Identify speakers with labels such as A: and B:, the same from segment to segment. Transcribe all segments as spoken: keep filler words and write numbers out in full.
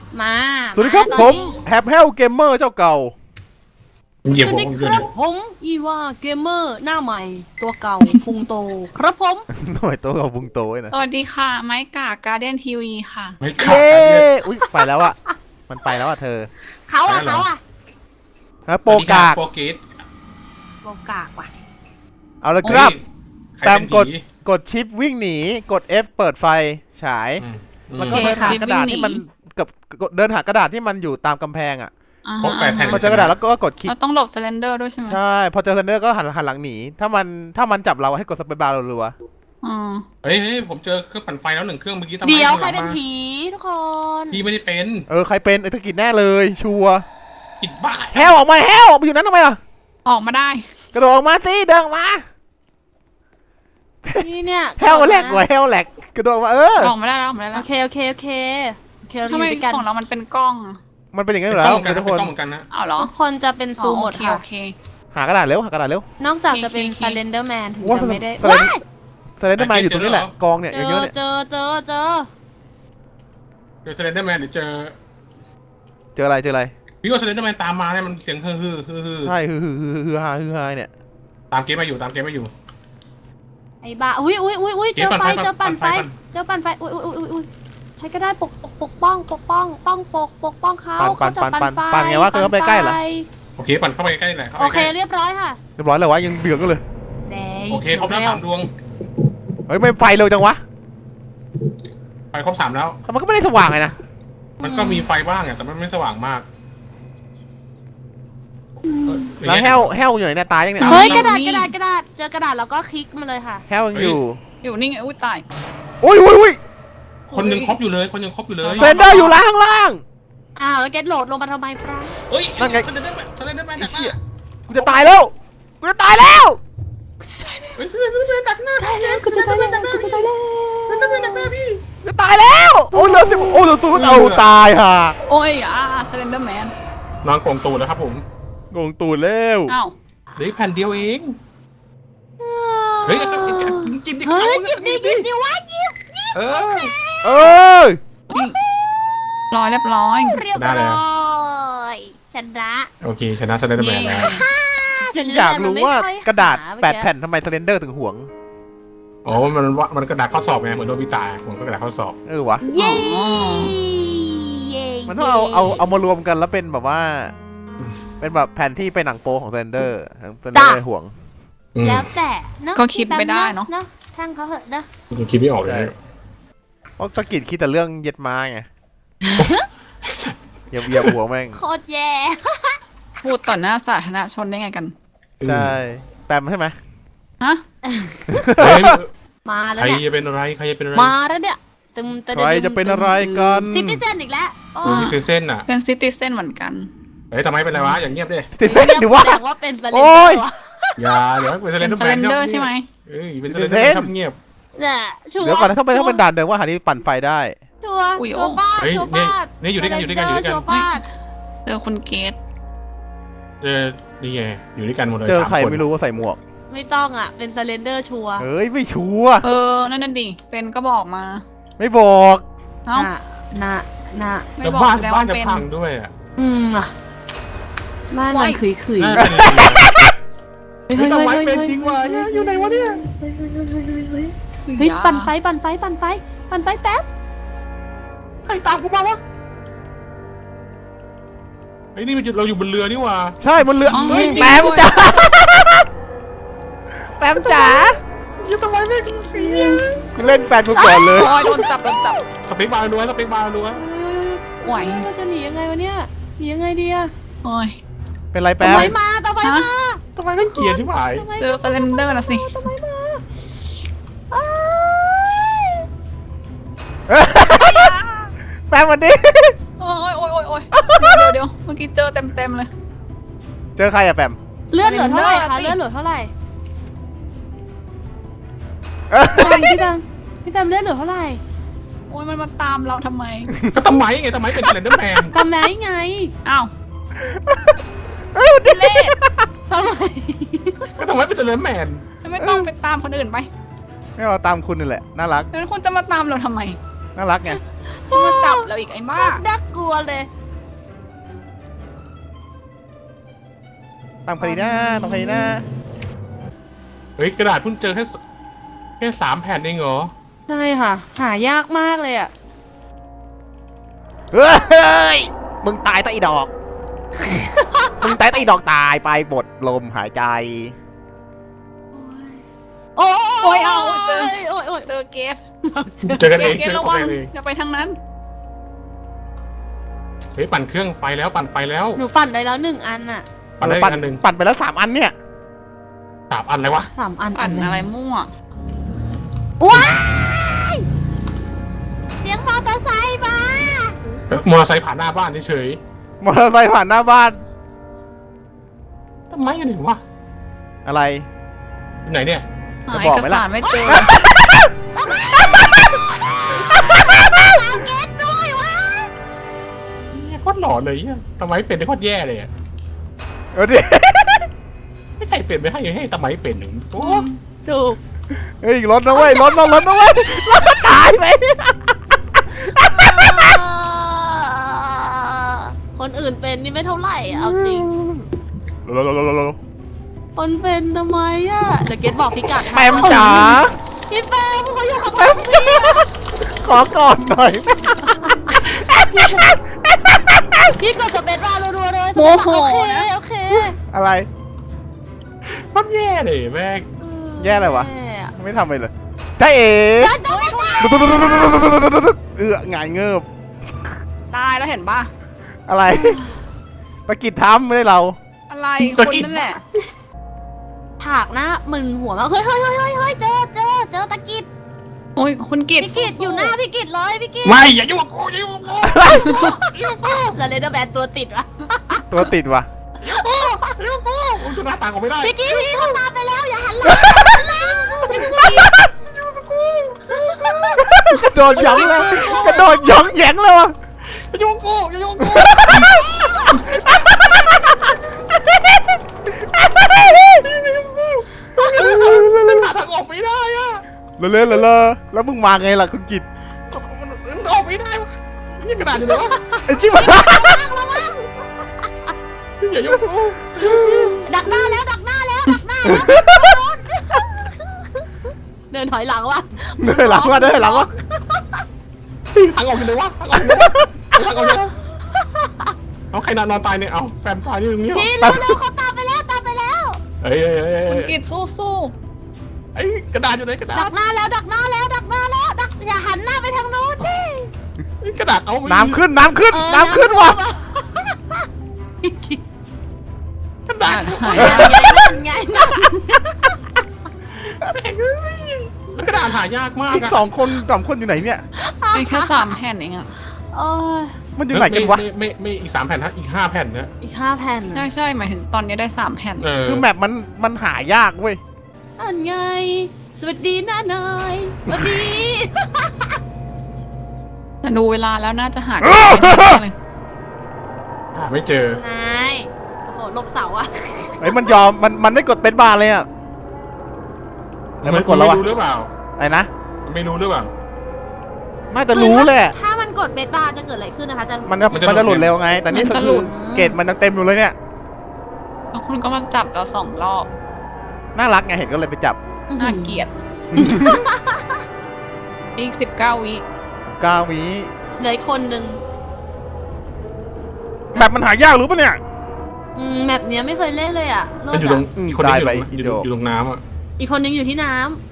A: มา
B: สวัสดีครับผมแฮปเฮลเกมเมอร์เจ้าเก่า
C: เหยียบ
A: ส
C: ผ
A: วั
C: ม
A: สดี
C: อ
A: ค
C: ยู่
A: รั
C: เนี่
A: บ
C: ย
A: ผมอีวาเกมเมอร์หน้าใหม่ตัวเก่าพุงโตครับผม
B: หน่อยโตกับบุงโตนะ
D: สวัสดีค่ะ ไม้กาการ์เด้นทีวีค่ะ
C: ไม่ขาด
B: เย้
C: การเดียน
B: อุ้ยไปแล้วอะมันไปแล้วอะเธอ
A: เขาอะ
C: ไปแล้วเหรอ
A: เขาอะ
B: ฮะโปกาก
C: โปรเกต
A: โปกากว่ะ
B: เอาละครับ
C: ใคร
B: ตาม
C: เป็น
B: กด
C: ผี
B: กดชิปวิ่งหนีกด F เปิดไฟฉาย
C: อืม
B: แล้วก็เดินหากระดาษที่มันกับเดินหากระดาษที่มันอยู่ตามกำแพงอะ
D: อ่า
C: ครบแปดแผ่น
B: พอเจอกระดาษแล้วก็กดคลิก
D: เราต้องหลบเซเลนเดอร์ด้วยใช่ไหม
B: ใช่พอเจอเซนเดอร์ก็หันหันหลังหนีถ้ามันถ้ามันจับเราให้กดสเปซบาร์รัว
D: อืม
C: เฮ้ยเฮ้ยผมเจอเครื่องปั่นไฟแล้วหนึ่งเครื่องเมื่อกี้ทำไม
A: เดี๋ยว
C: ข้าง
A: ใคร
C: หลัง
A: เป็น
C: มา
A: ผีทุกคน
C: พี่ไม่ได้เป็น
B: ๆเออใครเป็นไอ้ตะกิดแน่เลยชัวร์
C: ผิดบ้า
B: แฮวออกมาแฮวออกไปอยู่นั้นทำไมล่ะ
D: ออกมาได้
B: กระโดดออกมาสิเดินออกมา
A: นี่เนี่ย
B: แฮวแหลกกว่าแฮวแหลกกระโดดออกมาเออ
D: ออกมาได้แล้วออกมาได้
A: โอ
D: แล้ว
A: เคโอเคโอเคโอเคเราอ
D: ทำไม
A: ยู่ด้วยกัน
D: ของเรามันเป็นกล้องอะ
B: มันเป็นอย่างนั้นอ
C: เป็น
B: ยู่
C: กล้
B: แล้
C: อง
B: ว
C: เหมือนกัน
B: ทุกคน
C: นะเป็นกล้องเหมือนกันนะ
D: อ้าวเหรอ
A: ทุกคนจะเป็น
D: อ๋
A: ซู
D: อ
A: หม
D: โอ
A: ด
D: เค
A: ค่ะ
D: โอเค
B: หากระดาษเร็วหากระดาษเร็ว
A: นอกจากจะเป็น
D: โอเค
A: ซาเลนเดอร์แมนถึง
B: ว่า
A: จะไม่ได้
B: สไลด์
A: ว้าย
B: สไลเดอร์แมนอยู่ตรงนี้แหละกองเนี่ย
A: เจ
B: เย
A: อ
B: อะๆเนี่ย
A: เจอเจอเจอ
C: เจอเซเลนเดอร์แมนหรือเจอ
B: เจออะไรเจออะไร
C: พี่ว่าเซเลนเดอร์แมนตามมาเนี่ยมันเสียงฮือฮือฮือฮือ
B: ใช่ฮือฮือฮือฮือฮาฮือฮาเนี่ย
C: ตามเกมมาอยู่ตามเกมมาอยู่
A: ไอ้บ้าอุ้ยอุ้ยอุ้ยอุ้ย
C: เจ๊
A: เจอ
C: ปั่น
A: ไฟ
C: ไฟ
A: เจอปั่นไฟ
C: ปั่นไฟ
A: เจอปั่นไฟอุ้ยอุ้ยอุ้ยอุ้ยใครก็ได้ปกปกปกป้องปกป้องป้องปกปกป้องเขา
B: ปั่นปั่น
A: เขาจะ
B: ปั่น
A: ไฟ
B: ปั่นไงวะคือเขาไปใกล้เหรอ
C: โอเคปั่นเข้าไปใกล้ๆหน่อยเข้าไป
A: โอเค
C: ใกล้
A: เรียบร้อยค่ะ
B: เรียบร้อยเลยวะยังเดือดกันเลย
A: แดง
C: โอเคครบแล้วสามดวง
B: เฮ้ยไม่ไฟเร็วจังวะ
C: ไปครบสามแล้ว
B: แต่มันก็ไม่ได้สว่างเลยนะ
C: มันก็มีไฟบ้างอะแต่มันไม่สว่างมากเออ
B: แล้วแฮวแฮวอยู่ไหนเนี่ยตายยังเนี่ย
A: เฮ้ยกระดาษกระดาษกระดาษเจอกระดาษแล้วก็คลิกมาเลยค่ะ
B: แฮวยังอยู่
D: อยู่นี่ไงอุ้ยตาย
B: โอ้ยโอ้ยโอ้ย
C: คนยังครบอยู่เลยคนยังครบอยู่เลย
B: เซนเดอร์อยู่ล่างข้างล่าง
A: อ้าวแล้วเกตโหลดลงมาทำไมฟรัง
C: เฮ้ย
B: นั่นไง
C: เซเลนเดอร์แมนเซเลนเดอร์แมน
B: ไอ้
C: ดักห
B: เชี่ย
C: น้า
B: กูจะตายแล้วกูจะตายแล้ว
C: เฮ้ยเซเลนเดอร์แมนดักหน้า
A: ได้แล้วกูจะได้แล้วกูจะได้แล้ว
C: เซเลนเดอร์แมนดักหน้าพี่
B: จะตายแล้วโอ้ยเหลือสิบโอ้ยเหลือศูนย์เอาตายห่า
D: โอ้ยอ่าเซเลนเดอร์แมน
C: นอนโกงตูดแล้วครับผม
B: งงตูดแล้ว
D: อ้าว
C: เหลืออีกแผ่นเดียวเองเฮ้ยจิ้มดิ
A: เฮ้ยหยิบดิหยิบดิวะหยิบ
C: เออ
B: เอ้ย
D: ร้อยเรียบร้อย
A: เรียบร้อยชนะ
C: โอเคชนะเซเลนเดอร์แมนแล้ว
B: จริงอยากรู้ว่ากระดาษแปดแผ่นทำไมเซเลนเดอร์ถึงห่วง
C: อ๋อมันว่ามันกระดาษข้อสอบไงเหมือนโดนพิตาผมก็กระดาษข้อสอบ
B: เออวะ
A: เย้
D: อ๋อ
A: เย้
B: มันต้องเอาเอาเอามารวมกันแล้วเป็นแบบว่า เป็นแบบแผ่นที่เป็นหนังโปของเซนเดอร์ทั้งเซนเดอร์เลยห่วง
A: แล้วแต่เนาะ
D: ก็คิดไม่ได้เนาะ
A: เนาะช่างเขาเหอะนะ
C: ยังคิดไม่ออกเลย
B: ใช่ เพราะตะกิดคิดแต่เรื่องเย็ดม้าไงอย่าเบียบหัวแม่ง
A: โคตรแย่
D: พูดต่อหน้าสาธารณชนได้ไงกัน
B: ใช่แปมใช่ไหม
D: ฮะ
C: เฮ้ย
A: มาแล้
C: ใคว ร
A: เนี่ย
C: จะเป็นอะไรใครจะเป็นอะไร
A: มาแล้วเนี่ยตึมตึม
B: ใครจะเป็นอะไรกัน
A: ซิติเซนอีกแล้วโอ้
C: ดูที่เส้นอ่ะ
D: เป็นซิติเซนเหมือนกัน
C: เฮ้ยทำไมเป็นไรวะอย่างเงียบดิ
B: ติดเส้นหรือว่า
A: แสดงว่าเป็นสเลน
B: โอ้
A: เดอร์
B: ย
A: วะ
C: อย่าเดี๋ยวเป็นเซเล
D: เป็น น
C: เดอร์
D: เซ
C: แม
D: เล
C: น
D: นเดอร์ใช่ไหม
C: เอ้ยเป็นเซเลนเดอร์ชอบเงียบ
A: เนี่ยชัวร์
B: เดี๋ยวก่อนนะถ้าเป็นถ้าเป็นด่านเดิมว่าหานี้ปั่นไฟได้
A: ชัวร์
D: อุ้ย
A: ชั
D: โอ้
A: วร์ป้าด
C: เฮ้ย
A: ชัวร์
C: นี่
A: ป้าด
C: นี่อยู่ด้วยกันอยู่ด้วยกันอยู่ด้วยกัน
A: ชัวร์ป้าด
D: เจอคุณเกต
C: เจอนี่ไงอยู่ด้วยกันหมดเลย
B: เจอ
C: สาม
B: ใคร
C: คน
B: ไม่รู้ว่าใส่หมวก
A: ไม่ต้องอ่ะเป็นสเลนเดอร์ชัวร์
B: เฮ้ยไม่ชัวร์
D: เออ นั่นน่ะดิ เป็นก็บอกมา
B: ไม่บอก
D: เอ้า
A: น่ะน่ะน่ะ
D: ไม่
C: แต่
D: บอก
C: บ้าน
D: แสดง
C: บ้าน
D: ว่า
C: จะ
D: เป็น
C: พังด้วยอ่ะ
A: อืมอ่ะบ้านมันขุยขุย
C: น่า
A: เฮ้ย
C: เฮ้
A: เฮ้
C: ย
A: ย
C: ทำไม
A: เฮ้ย
C: เป็นจริงวะอยู่ไหนวะเนี่ย
A: เฮ้ยปั่นไฟปั่นไฟปั่นไฟปั่นไฟแป๊บ
C: ใครตามกูมาวะไอ้ยนี่มันอยู่เราอยู่บนเรือนี่หว่า
B: ใช่มันเรือ
D: อ๋อ
B: เฮ้ย
D: จริง
B: แปม
D: ด้วย
B: จ๋าแปมจ๋า
C: อยู่ทำไมไม่เสีย
B: เล่นแฟนกูก่อนเลย
D: โอ้ยโดนจับโดนจับ
C: สเปคบาร์รัวสเปคบาร์รัว
D: ไหว
A: เราจะหนียังไงวะเนี่ยหนียังไงดีอะ
D: โอ้ย
B: เป็นไรแป
A: ต่อ
B: ม
A: ไฟมาต่อไฟมา
C: ทำไมไม่เกลียดที่หาย
A: ต่อไฟ
D: เจอเซเลนเดอร์นะสิ
A: ต่อไฟมาอ้าย
B: แปมวันนี้
D: โอ้ยโอ้ยโอ้ยโอ้ยเดี๋ยวเดี๋ยวเดี๋ยวเมื่อกี้เจอเต็มเต็มๆเลย
B: เจอใครอะแปม
A: เลือดเหลือเท่าไหร่คะ
D: สิ
A: เลือดเหลือเท่าไหร่พี่ดำพี่ดำเลือดเหลือเท่าไหร่
D: โอ้ยมันมาตามเราทำไม
C: ก็ทำไมไงทำไมเป็นเซเลนเดอร์แมน
A: ทำไมไง
D: อ้าว
B: เอ้ยวันนี้
D: เล่
A: ทำไม
C: ก็ทำไมเป็นเซเลนเดอร์แมน
D: ไม่ต้องไปตามคนอื่นไป
B: ไม่เอาตามคุณนี่แหละน่ารัก
D: แล้วคุณจะมาตามเราทำไม
B: น่ารักไง
D: มาจับเราอีกไอ้บ้า
A: น่ากลัวเลย
B: ตั้งพอดีนะตั้งพอดีนะ
C: เฮ้ยกระดาษเพิ่งเจอแค่สแค่สามแผ่นเองเหรอ
A: ใช่ค่ะ หายากมากเลยอ่ะ
B: เฮ้ยมึงตายตะอีดอก มึงตายตะอีดอกตายไปหมดลมหายใจ
A: โอ้
D: โอ้ยเอาเจอ
A: โอ้ยโอ้ย
D: เจอเกต
C: เจอกัน
D: เก
C: เอ
D: ต
C: ง
D: เก
C: เจ
D: ต
C: อ
D: ระ
C: กั
D: วัน ง
C: เอง
D: อย่าไปทางนั้น
C: เฮ้ยปั่นเครื่องไฟแล้วปั่นไฟแล้ว
A: หนูปั่นได้แล้วหนึ่งอันอ่ะ
C: ปั่นได้อี
B: ปั่
C: กอันหนึ่ง
B: ปั่นไปแล้วสามอันเนี่ย
C: สามอันเลยวะ
A: สามอัน
D: ปั่นอะไรมั่ว
A: ว้ายเสียงมอเตอร์ไซค์มา
C: มอเตอร์ไซค์ผ่านหน้าบ้านเฉย
B: มอเตอร์ไซค์ผ่านหน้าบ้าน
C: ๆทำไมอยู่ไหนวะ
B: อะไร
C: อยู่ไหนเนี่ย
D: หา
B: จะ
D: เอบ
B: อก
D: ก
B: ไหมล่ะ
D: สารไม่เจอ
A: เก็ตด้วยวะ
C: เนี่ยโคตรหลอนเลยเนี่ยทำไมเป็นได้โคตรแย่เลยอะ
B: เอาดิ
C: ไม่ใครเป็นไม่ให้ให้ทำไมเป็นหนึ่งโอ้
A: ถูก
B: เฮ้ยรถนะเว้ยรถนะรถนะเว้ยรถตายไป
A: คนอื่นเป็นนี่ไม่เท่าไหร่อะเอาจริง
B: รถรถรถรถ
A: คนเป็นทำไมอ่ะเดี๋ยวเกดบอกพี่กัดให้
B: แปมจ๋า
A: พี่แปมเขาอยู่กับ
B: แปมจ๋าขอก่อนหน่อย
A: พี่กดสเปซบาร์รัวๆเลย
D: โมโห
A: โอเค
D: นะ
A: โอเค
B: อะไร
C: โคตรแย่เลยแม่ง
B: แย่อะไรวะ
A: แย่อะ
B: ไม่ทำอะไรเลยจ้าเอ๋ เอื้อหงายเงิบ
D: ตายแล้วเห็นป่ะ
B: อะไรตะกิดทำไม่ได้เรา
D: อะไรคนนั่นแหละ
A: ถากหน้ามึนหัวมากเฮ้ยเฮ้ยเฮ้ยเฮ้ยเฮ้ยเจอเจอเจอตะกิด
D: โอ้ยคุณกิต
A: พี่กิดอยู่หน้าพี่กิดเลยพี่กิด
C: ไม่อย่ายุ่งกับกูอย่ายุ่งกับกูอย่ายุ่งกับกู
A: แล้วเลเดอร์แบนตัวติดวะ
B: ตัวติดวะ
C: อย่ายุ่งกับกูกูจะหน้าตากูไม่ได้
A: พี่กิดพี่เขาตามไปแล้วอย่าหันหลัง
B: กระโดดหย้องเลยกระโดดหย้องแหยงเลยวะ
C: อย่ายุ่งกับกูอย่ายุ่งกับกูหาทางออกไม่ได้อะ
B: เลอะเลอะเลอะเลอะแล้วมึงมาไงล่ะคุณกิต
C: มันออกไม่ได้วะนี่กระดาษอยู่ไหนวะ
B: ไอ้ชิบะ
C: อย่ายุ่งกับกู
A: ดักหน้าแล้วดักหน้าแล้วดักหน้าแล้วเดินถอยหลังวะ
B: เดินหลังวะเดินหลังวะ
C: ทางออกอยู่ไหนวะทางออกอยู่ไหนวะทางออกอยู่ไหนวะเอาใครนอนนอนตายเนี่ยเอาแฟนตายอยู่ตรงนี้เหรอ
A: พี่เร็วเร็วเขาตามไปแล้วตามไปแล้ว
C: เฮ้ยเฮ้ยเฮ้ย
D: คุณ
C: เฮ้ย
D: กิตสู้สู้
C: ไอ้กระดาษอยู่ไหนกระดา
A: ดั
C: ษ
A: กหน้าแล้วดักหน้าแล้วดักหน้าแล้วดักอย่าหันหน้าไปทางโน้นดิ
C: กระดาษเอา
B: น้ำขึ้นน้ำขึ้นน้ำขึ้นวะ
C: กระดาษ
D: หาย
A: นั่นไงนั่น
C: แม่งเอ้ยแล้วกระดาษหายากมาก
B: อีก
C: อะ
B: สองคนสองคนอยู่ไหนเนี่ย
D: มีแค่สามแผ่นเองอะ
A: โอ้ย
B: มันอยู่ไหนกันวะ
C: ไม่ไม่ไม่ไม่อีกสามแผ่นนะอีกห้าแผ่นนะ
A: อีกห้าแผ่น
D: ใช่ใช่หมายถึงตอนนี้ได้สามแผ่น
C: เออ
B: คือแมปมันมันหายากเว้ย
A: นั่นไง สวัสดีน้านายสวัสดี
D: แต่ดูเวลาแล้วน่าจะหากันไม่ได้เลย
C: หาไม่เจอน
A: ายโอ้โหหลบเสาอะ
B: ไอ้ยมันยอมมันมันไม่กดเป็นบาร์เลยอ่ะแล้วมันกดแล้ว
C: ไม่
B: วะ
C: รู้หรือเปล่า
B: ไอ้นะ
C: มันไม่รู้หรือเปล่า
B: น่าจะรู้แหละ
A: ถ้ามันกดเบสบาร์จะเกิดอะไรขึ้นนะคะจะ
B: มันจะ
C: มันจะ
B: มันจะห
C: หลุ
B: ลุด
C: ด
B: เร็วไง แต่นี่
D: มันจะ
B: คือ
D: หลุด
B: เกรดมันยังเต็มอยู่เลยเนี่ย
D: แล้วคุณก็มาจับเราสองรอบ
B: น่ารักไงเห็นก็เลยไปจับ
D: น่าเกลียด อีกสิบเก้าวิ
B: เก้าวิ
A: เหลืออีกคนนึง
B: แบบมันหายากรู้ปะเนี่ย
A: อืมแมปเนี้ยไม่เคยเล่นเลยอะเลิ
C: มัน
A: ศ
C: อยู่ตร
A: อะ
C: ง
B: อืม
C: อีกคนนี้
B: ตาย
C: อยู่
B: ไป
C: ตรง
B: อิ
C: อน ยู่
B: โด
C: อยู่ตรงน้ำอ่ะ
A: อีกคนนึงอยู่ที่น้ำ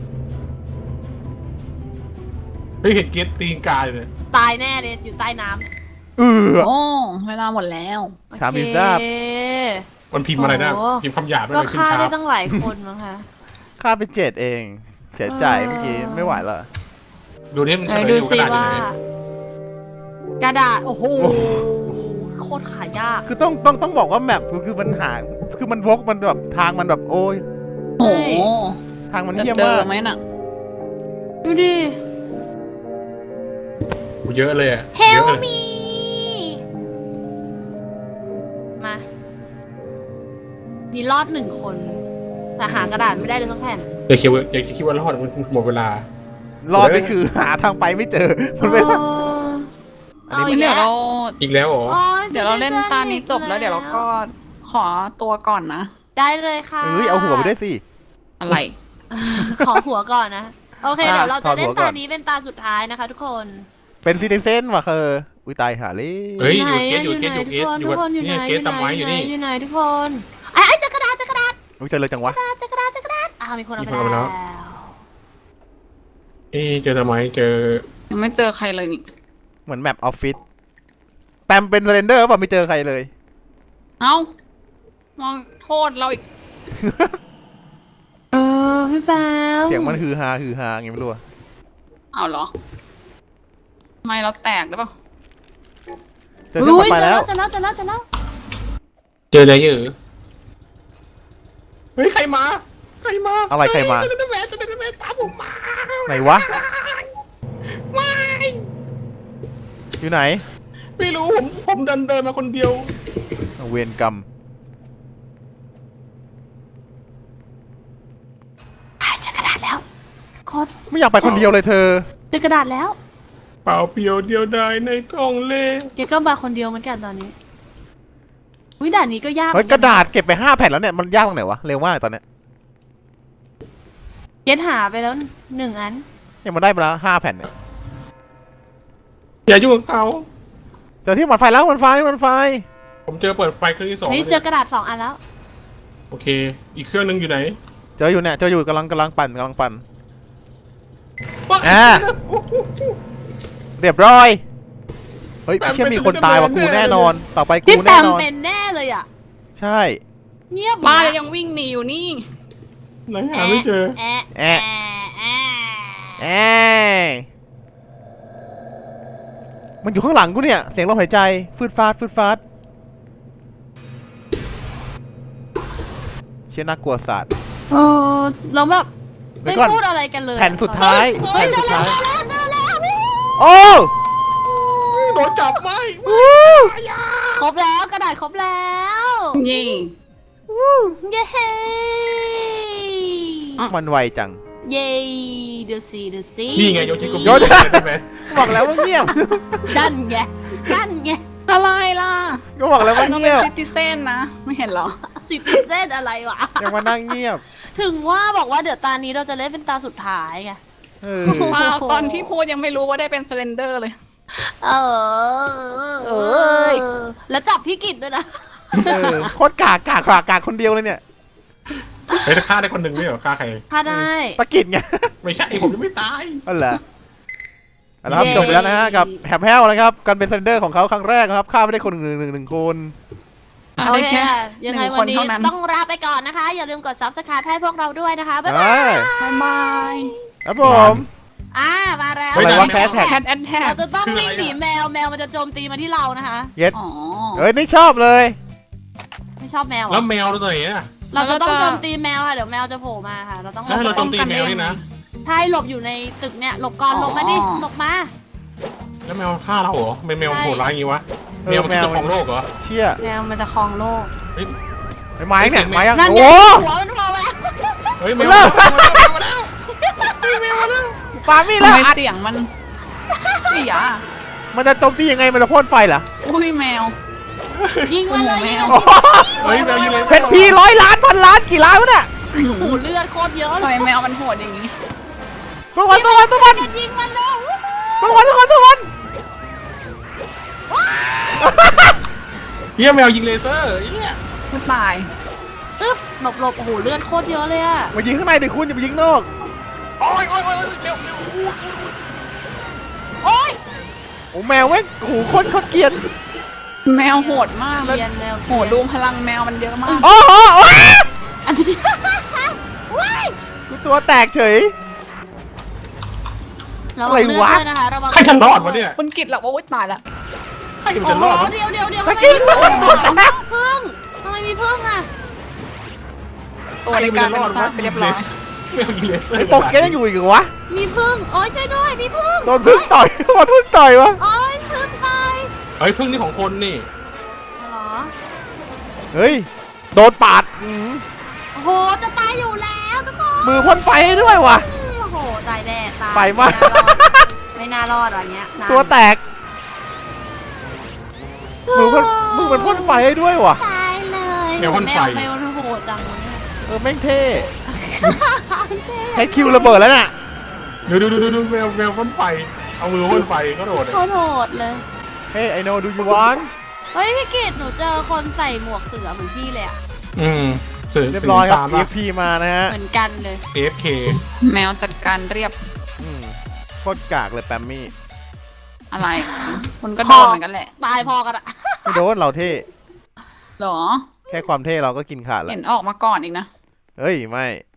C: เฮ้ยเห็นเกตตีนกาอยู่เลย
A: ตายแน่เลยอยู่ใต้น้ำ
B: เออ
D: โอ้เวลาหมดแล้ว
B: ถามพิซซ่า
A: โอเค
C: มันพิมพ์อะไรนะ
A: โอ้
C: พิมพ์คำหยาบไม่
A: ก็
C: เลยขึ้น
A: ฆ่า
C: ช้า
A: ได้ตั้งหลายคนมั้งคะ
B: ค่าไปเจ็ดเอง เสียใจเมื่อกี้ไม่ไหวแล้ว
C: ดูนี่มัน
A: ไห
C: เฉ
A: น
C: ลย
A: ดู
C: อยู่ก
A: ซิ
C: ระดาษอยู่
A: ว่า
C: ไหน
A: กระดาษ โอ้โห
B: โอ้โห
A: โคตรขายาก
B: คือต้องต้องต้องบอกว่าแมปคือคือมันหาคือมันวกมันแบบทางมันแบบโอ้ย
D: โอ้
B: ทางมัน
D: จะ
B: เยี่ยม
D: เจอ
B: มาก
D: ไหมน่ะ
A: ดูดิ
C: เยอะเลยอะ
A: เฮ
C: เย
A: ล
C: อะเลย
A: มีมามีรอดหนึ่งคน แต่หากระดาษไม่ได้เลยสักแผ่น
C: อย่าคิดว่าอย่าคิดว่ารอดมันหมดเวลาร
B: อดนี่คือหาทางไปไม่เจอมันไม่
A: โอ้ย
B: อันนี้
A: อา
B: มัน
D: เดี๋ยวเรา
C: อีกแล้วเหรอ
A: โอ๊ย
D: เดี๋ยวเราเล่นตานี้จบแล้วเดี๋ยวเราก็ขอตัวก่อนนะ
A: ได้เลยค่ะ
B: เอ้ยเอาหัวไปด้วยสิ
D: อะไร
A: ขอหัวก่อนนะ โอเค
B: อ่ะ
A: เดี๋ยวเราจะเล่
B: ขอหั
A: น
B: วก่
A: ตา
B: อน
A: นี้เป็นตาสุดท้ายนะคะ ทุกคน
B: เป็นซิติเซนว่ะเคออุ้ยตายหาเลย
C: เฮ้ย
A: ไหน
C: อยู่เกตอยู่เกตอยู่เกตอยู่
A: ทุกคน
C: เนี่ย
A: ไห
C: เกตตำไว้อยู่นี่
A: อยู่ไหนทุกคนไอ้ไอ้เจอกระดาษเจอกระดาษ
B: อุ้ยเจอเลยจังวะ
A: เจอกระดาษเจอกระดาษอ้าวมีคนเอา
C: มี
A: ไป
C: คนเอาไปแล้
A: แล้ว ว
C: เอ๊ะเจอทำไมเจอ
D: ยังไม่เจอใครเลยนี่
B: เหมือนแมปออฟฟิศแปมเป็นเซเลนเดอร์ป่ะไม่เจอใครเลย
D: เอ้ามองโทษเราอีก
A: เออพี่แป๊ว
B: เสียงมันฮือฮาฮือฮาไงไม่รู้อะ
D: เอาเหรอทำไมเราแตกหรือเปล่า
B: เจอเครื่องต่อไปแล้ว
A: เจอแล้วเจอแล้วเจอแล้ว
C: เจออะไรเยอะเฮ้ยใครมาใครมา
B: อะไรใครมา
C: เจะเป็นแมนจะเป็นแมนตามผมมา
B: ไหนวะ
C: ไม่
B: อยู่ไหน
C: ไม่รู้ผมผมเดินเดินมาคนเดียว
B: เวรกรรม
A: เจอกระดาษแล้วโคตร
B: ไม่อยากไปคนเดียวเลยเธอ
A: เจอกระดาษแล้ว
C: เปล่าเปลี่ยวเดียวดายในท้องเล่
A: เกก็มาคนเดียวเหมือนกันตอนนี้วิด่านนี้ก็ยาก
B: เฮ้ยกระดาษเก็บไปห้าแผ่นแล้วเนี่ยมันยากตรงไหนวะเร็วมากตอนเนี้ย
A: เกหาไปแล้วหนึ่งอัน
B: เนี่ยมันได้มาแล้วห้าแผ่นเนี่ย
C: อย่ายุ่งกับเขา
B: เจอที่มันไฟแล้วมันไฟมันไฟ
C: ผมเจอเปิดไฟเครื่องที่สอง
A: เฮ้ย
C: แล้ว
A: เจ
C: เนี่
A: อย กระดาษสองอันแล้ว
C: โอเค อีกเครื่องนึงอยู่ไหน
B: เจออยู่เนี่ยเจออยู่กำลังกำลังปั่นกำลังปั่น
C: ว้า
B: อ่า เรียบร้อยเฮ้ยเชื่อมีคนตายว่ะกูแน่นอน ต่อไป
A: พี่
B: กู
A: แป
B: แน่
A: ม
B: นอน
A: เป็นแน่เลยอ่ะ
B: ใช่
A: เงียบ
D: บ้านยังวิ่งหนีอยู่นี่
C: ไหนหาไม่เจอ
A: แอะแอะ แอะ
B: แอยมันอยู่ข้างหลังกูเนี่ยเสียงลมหายใจฟืดฟาดฟืดฟาดเชี่ยน่ากลัวสัตว์
A: เออเราแบบ
B: เดี๋
A: ไม่
B: ยวก่อน
A: พูดอะไรกันเลย
B: แผ่นสุดท้าย
A: เฮ้ย
B: แผ่น
A: เจ
B: สุ
A: อ
B: ด
A: แล้ว
B: ท้าย
A: เจอแล้วเจอแล้ว
B: โอ้
C: โดนจับไหม
A: ครบแล้วกระดาษครบแล้ว
D: เย่
A: เย้
B: มันไวจัง
A: เย้เดี๋ยวสิเดี๋ยวสิ
C: นี่ไงโยชิโกมิ
B: โยชิ
C: ใช่ไหม
B: บอกแล้วว่าเงียบ
A: ดันไงดันไง
D: อะไรล่ะ
B: ก็บอกแล้วว่า
D: เรา
B: เงี
D: เป็น
B: ยบ
D: ซิติเซนนะ ไม่เห็นเหรอ
A: สิบเส้นอะไรวะ
B: ยังมานั่งเงียบ
A: ถึงว่าบอกว่าเดี๋ยวตานี้เราจะเล่นเป็นตาสุดท้ายไง
B: เออ
D: ว้าวตอนที่พูดยังไม่รู้ว่าได้เป็นสเลนเดอร์เลย
A: เออ
B: เอ้ย
A: แล้วจับพี่กิจด้วยนะ
B: เออโคตรกากกากกากกากคนเดียวเลยเนี่ย
C: เฮ้ยถ้าฆ่าได้คนหนึ่งไม่เหรอฆ่าใคร
A: ถ้าได้
B: ตะกิดไง
C: ไม่ใช่ผมยังไม่ตาย
B: อ๋อเหรอเอาละครับ
A: เย้
B: จบไปแล้วนะฮะกับแฮมแฮลนะครับการเป็นเซนเดอร์ของเขาครั้งแรกนะครับฆ่าไม่ได้คนหนึ่งหนึ่งหนึ่งคน
D: อ่ะ
A: โอ
D: ได้
A: เค
D: แค่
A: ค่ะ
D: ห
A: ยัง
D: นึ่
A: ไง
D: งค
A: วัน
D: น
A: นี้
D: เท่านั้น
A: ต้องลาไปก่อนนะคะ อย่าลืมกด ซับสไครบ์ ให้พวกเราด้วยนะคะ บ๊ายบาย
B: เอ้ย
D: บายบาย
B: ครับผม
A: อ่ามาแล้ว
B: อะไรวะแคสแท็ก
D: แคทแอนแท็ก
A: เราจะต้องวิ่งหนีแมว แมวมันจะโจมตีมาที่เรานะคะ
B: เย็ด
D: อ๋อ
B: เอ้ยนี่ชอบเลย
A: ไม่ชอบแมวเหร
C: แล้
A: อ
C: วแมวตัวไหนอ่ะ
A: เราจะต้อง
D: แล้วก็จะ
A: โจมตีแมวค่ะ เดี๋ยวแมวจะโผล่มาค่ะ เราต้องหล
C: แล้ว
A: บ
C: เราโจมตีแมวนี่นะ
A: ใช่หลบอยู่ในตึกเนี่ย หลบก่อน หลบมาดิ หลบมา
C: แล้วแมวฆ่าเราเหรอเป็นแมวโหดร้ายอย่างงี้วะ
B: เออ
C: แมวมันคือเจ้าของโลกเหรอ
B: เชี่ย
A: แมวมันจะครองโลก
C: เฮ้ย
B: ไอ้ไม้เนี่ยไม้ยัง
A: นั่นไง
B: โอ้
A: หัวมันโผล่มาแล้ว
C: เฮ้ยแมว
B: เลิ
C: มาก แล้วแมวมาแล้ว
B: ปามีด
D: ทำ
B: แล้ว
D: ไม
B: อัด
D: เสียงมันอีหยา
B: มันจะโจมตียังไงมันจะพ่นไฟเหรอ
D: อุ้ยแมว
A: ยิงมันเลย
D: แม
A: ยิง
D: ว
A: มัน
C: เฮ้ยแมวยิงเลย
B: เพชรพีร้อยล้านพันล้านกี่ล้านวะเนี่ย
A: โอ้โหเลือดโคตรเยอะ
D: ทำ
A: เล
D: ไม
A: ย
D: แมวมันโหดอย่างนี้
B: ตัววันตัววันตัววัน
A: จะยิงมันแล้ว
B: ตัววันตัววันตัววัน
C: เฮียแมวยิงเลเซอร์เฮีย
D: กูตาย
A: อึ๊บหลบหลบโอ้โหเลือดโคตรเยอะเลยอะ
B: มายิงข้างในดิคุณอย่าไปยิงนอก
C: โอ้ยโอ้ยโอ้ยแมวแมวอู้
A: โอ๊ย
B: โอ้แมวเว้ยโอ้โหโคตรโคตรเกลียด
D: แมวโหดมากแล้ว
A: เรียนแมว
D: โหดูพลังแมวมันเยอะมาก
B: โอ้โหโอ้ย
A: อันนี้ว้าย
B: กูตัวแตกเฉย
A: ระวังเลือดด้วยนะคะระวัง
C: ใครจะรอดวะเนี่ย
D: คุณกิตหรอกว่าอุ๊ยตายละ
C: ใครมัน
A: โอ้
C: จะ
A: โห
C: รอดวะ
A: เดี๋ยวเดี๋ยวเดี๋ยว
B: ตะ
A: ทำไม
B: กี้
A: มี
B: ตัว
A: พึ่ง
B: แตก
A: พึ่งทำไมมีพึ่งอะ
D: ตัวในการเป็นซากไปเรียบร้อย
C: แมวยิงเลเซอร์
B: ไอ้ปกแกยังอยู่อีกเหรอวะ
A: มีพึ่งโอ๊ยช่วยด้วยมีพึ่ง
B: โดนพึ่งต่อยโดนพึ่งต่อยวะ
A: โอ๊ยพึ่งตาย
C: เฮ้ยพึ่งนี่ของคนนี่
A: เหรอ
B: เฮ้ยโดนปาดอื้อ
A: โอ้โหจะตายอยู่แล้วทุกคน
B: มือพ่นไฟให้ด้วยว่ะ
A: โอ้โหตายแน่ตาย
B: ไปมาก
A: ไม่น่ารอดไม่น่ารอดอะไรเงี้ยนะ
B: ตัวแตกมึงพ่นมึงมันพ่นไฟให้ด้วยวะ
A: ตายเลย
C: แมวพ่นไฟ
A: แมวมันโหดจังเลยเนี่ย
B: เออแม่งเท่ให้คิวระเบิดแล้วน่ะ
C: ดูดูดูดูดูแมวแมวพ่นไฟเอามือพ่นไฟก็โดดเลย
A: โคตรโหดเลย
B: เฮ้ยไอโนดูยูวัน
A: เฮ้ยพี่กิตหนูเจอคนใส่หมวกเสือเหมือนพี่เลยอะ
C: อืมสื่อ
B: เรียบ
C: สื่อ
B: ร้อยครั
C: ตา
B: บ
C: ม
B: เอ
C: ว่า
B: ฟพีมานะฮะ
A: เหมือนกันเลย
C: เอฟเค
D: แมวจัดการเรียบ
B: อืมโคตรกากเลยแปมมี่
D: อะไรคุณก็โดนเหมือนกันแหละ
A: ตายพอกันอะ
B: ไม่โดนเราเท่
D: เหรอ
B: แค่ความเท่เราก็กินขาดแล้ว
D: เห็นออกมาก่อนอีกนะ
B: เฮ้ยไม่